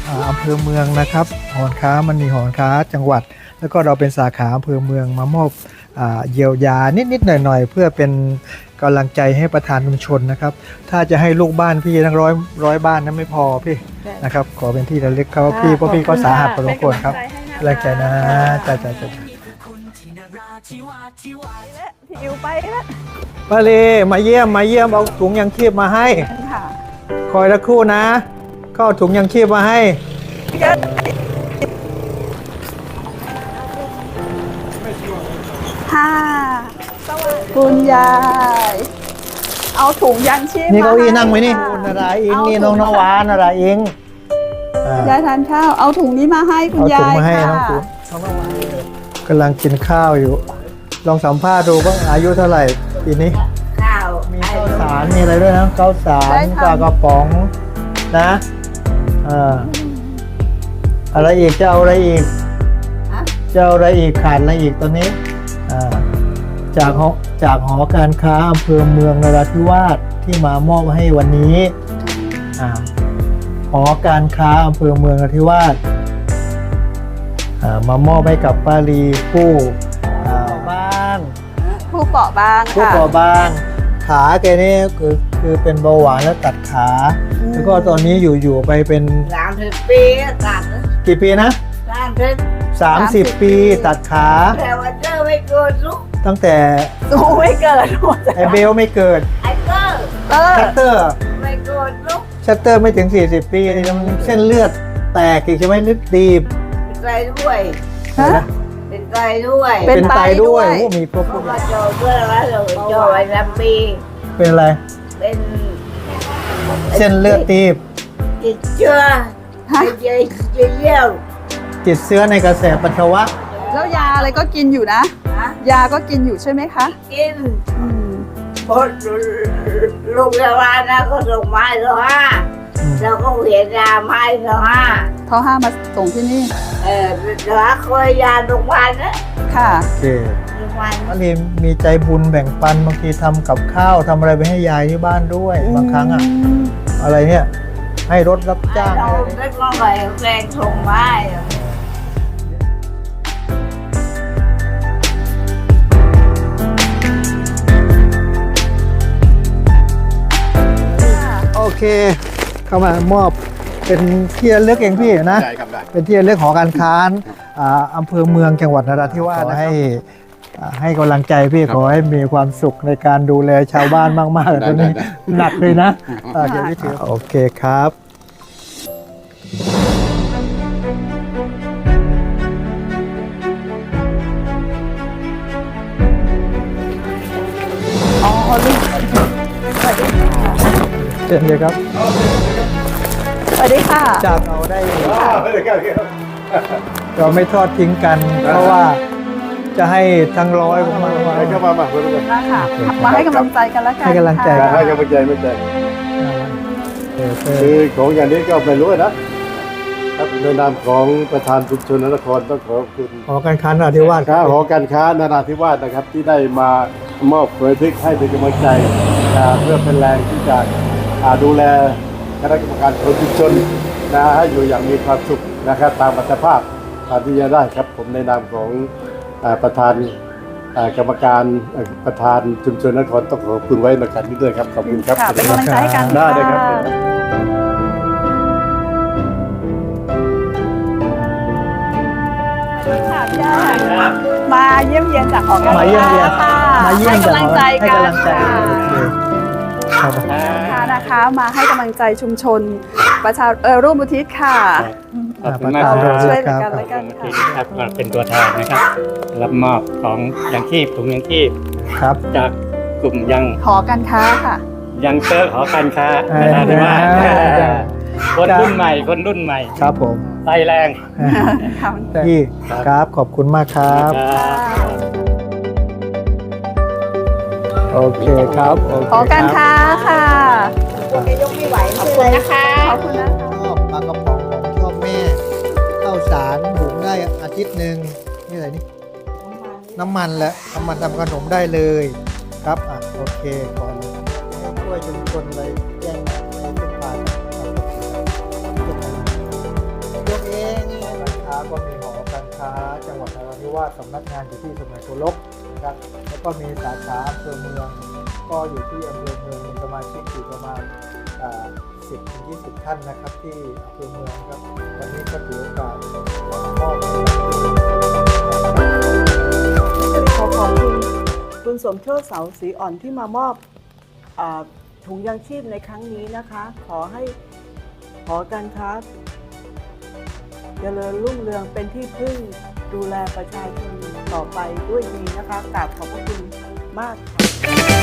อำเภอเมืองนะครับหอการค้ามันมีหอการค้าจังหวัด แล้วก็เราเป็นสาขาอำเภอเมืองมามอบเยียวยานิดๆหน่อยๆเพื่อเป็นกำลังใจให้ประธานชุมชนนะครับถ้าจะให้ลูกบ้านพี่ทั้งร้อยบ้านนั้นไม่พอพี่นะครับขอเป็นที่ระลึกเขาพี่เพราะพี่ก็สาหัสพอสมควรครับกำลังใจนะจ้าพี่อิวไปแล้วป้าเลมาเยี่ยมเอาถุงยังชีพมาให้ค่ะคอยสักครู่นะก็เอาถุงยังชีพมาให้ค่ะคุณยายเอาถุงยังชีพนี่เก้าอี้นั่งไหมนี่ค่ะคุณนาราอิงนี่น้องนวานาราอิงยายทานข้าวเอาถุงนี้มาให้คุณเอาถุยาง ยมาให้น้องค่ะคุณกำลังกินข้าวอยู่ ลองสัมภาษณ์ดูว่าอายุเท่าไหร่ปีนี้ข้าวมีข้าวสารมีอะไรด้วยนะข้าวสารปลากระป๋องนะอะไรอีกจะเอาอะไรอีกจะเอาอะไรอีกขาดอะไรอีกตอนนี้จากหอการค้าอำเภอเมืองนราธิวาสที่มามอบให้วันนี้หอการค้าอำเภอเมืองนราธิวาสมามอบให้กับป้าลีผู้บ้างผู้เปราะบางผู้ค่ะก่อบางขาแกนี่คือเป็นเบาหวานแล้วตัดขาแล้วก็ตอนนี้อยู่ไปเป็น 30 ปีตัดกี่ปีนะ 30 ปีตัดขาแต่ว่าเจอไม่เกิดลูกตั้งแต่ดูไม่เกิดหมดไอเบลไม่เกิดไอ้เกอร์ชัตเตอร์ไม่เกิดลูกชัตเตอร์ไม่ถึง40 ปีนี่มันเส้นเลือดแตกอีกใช่ไหมเลือดตีบเป็นไตด้วยฮะเป็นไตด้วยเป็นไตด้วยโอ้มีครบเพราะว่าโจด้วยแล้วเราโจไว้3 ปีเป็นอะไรเป็นเส้นเลือดตีบติดเชื้อเยี่ยวติดเชื้อในกระแสปัสสาวะแล้วยาอะไรก็กินอยู่นะนะยาก็กินอยู่ใช่ไหมคะกินอืมพอโรงพยาบาลนะก็ส่งไม้ละ5เราก็เวียนยาไม้ละ5 เขาห้ามมาส่งที่นี่แล้วคอยยาโรงพยาบาลนะค่ะโอเคโรงพยาบาลป้าลีมีใจบุญแบ่งปันบางทีทำกับข้าวทำอะไรไปให้ยายที่บ้านด้วยบางครั้งอะไรเนี่ยให้รถรับจ้างเราอะไรเนี่ยไม่ต้องไปแรงส่งไม้โอเค เข้ามามอบเป็นที่ระลึกเองพี่นะได้ครับได้เป็นที่ระลึกหอการค้าอำเภอเมืองจังหวัดนราธิวาสให้กำลังใจพี่ขอให้มีความสุขในการดูแลชาวบ้านมากๆเลยตอนนี้หนักเลยนะเดี๋ยวพี่ถือโอเคครับอ๋อลูกเชิญเลยครับสวัสดีค่ะจากเราได้เราไม่ทอดทิ้งกัน เพราะว่าจะให้ทั้งร้อยมาให้เข้ามาเพื่อนมาค่ะ มาให้กำลังใจกันแล้วกันให้กำลังใจค่ะให้กำลังใจไม่ใจคือของอย่างนี้ก็ไม่รู้นะครับในนามของประธานชุมชนนครต้องขอบคุณหอการค้านราธิวาสค้าหอการค้านราธิวาสนะครับ ที่ได้มามอบเผยทึกให้เป็นกำลังใจเพื่อเป็นแรงที่จะดูแลคณะกรรมการคนชุมชนให้อยู่อย่างมีความสุขนะครับตามอัตภาพที่จะได้ครับผมในนามของประธานกรรมการประธานชุมชนนครต้องขอบคุณไว้ในการนี้ด้วยครับขอบคุณครับค่ะเป็นกำลังใจให้กันได้เลยครับค่ะพี่ย่ามาเยี่ยมเยียนจากหอการมาเยี่ยมเยียนค่ะมาเยี่ยมให้กำลังใจให้กันกำลังใจค่ะโอเคครับค่ะนะคะมาให้กำลังใจชุมชนประชาร่วมอุทิศค่ะขอบคุณมากเราครับช่วยเหลือกันแล้วกันที่ค่ะครับมาเป็นตัวแทนนะครับ รับมอบของยังชีพถุงยังชีพครับจากกลุ่มยังหอการค้าค่ะยังเตอร์หอการค้าเออนะที่ว่าเออคนรุ่นใหม่คนรุ่นใหม่ครับผมไฟแรงค่ะพี่ครับขอบคุณมากครับ โอเคครับโอเคหอการค้าค่ะพวกแกยกไม่ไหวขอบคุณนะคะขอบคุณนะคะชอบปลากระป๋องของชอบแม่ข้าวสารหุงได้อาทิตย์หนึ่งนี่อะไรนี่น้ำมันแหละน้ำมันทำขนมได้เลยครับโอเคก่อนเลยให้ช่วยชุมชนไปแจ้งให้เป็นผ่านครับค้าจังหวัดนราธิวาสสำนักงานอยู่ที่สมัยโกลกนะครับแล้วก็มีสาขาอำเภอเมืองก็อยู่ที่อำเภอเมืองมีสมาชิกอยู่ประมาณ10-20 ท่านนะครับที่อำเภอเมืองครับวันนี้ก็ถือโอกาสมอบขอขอบคุณคุณสมโชติเสาศรีอ่อนที่มามอบถุงยางชีพในครั้งนี้นะคะ ขอให้หอการค้าเจริญรุ่งเรืองเป็นที่พึ่งดูแลประชาชนต่อไปด้วยดีนะคะกราบขอบพระคุณมากค่ะ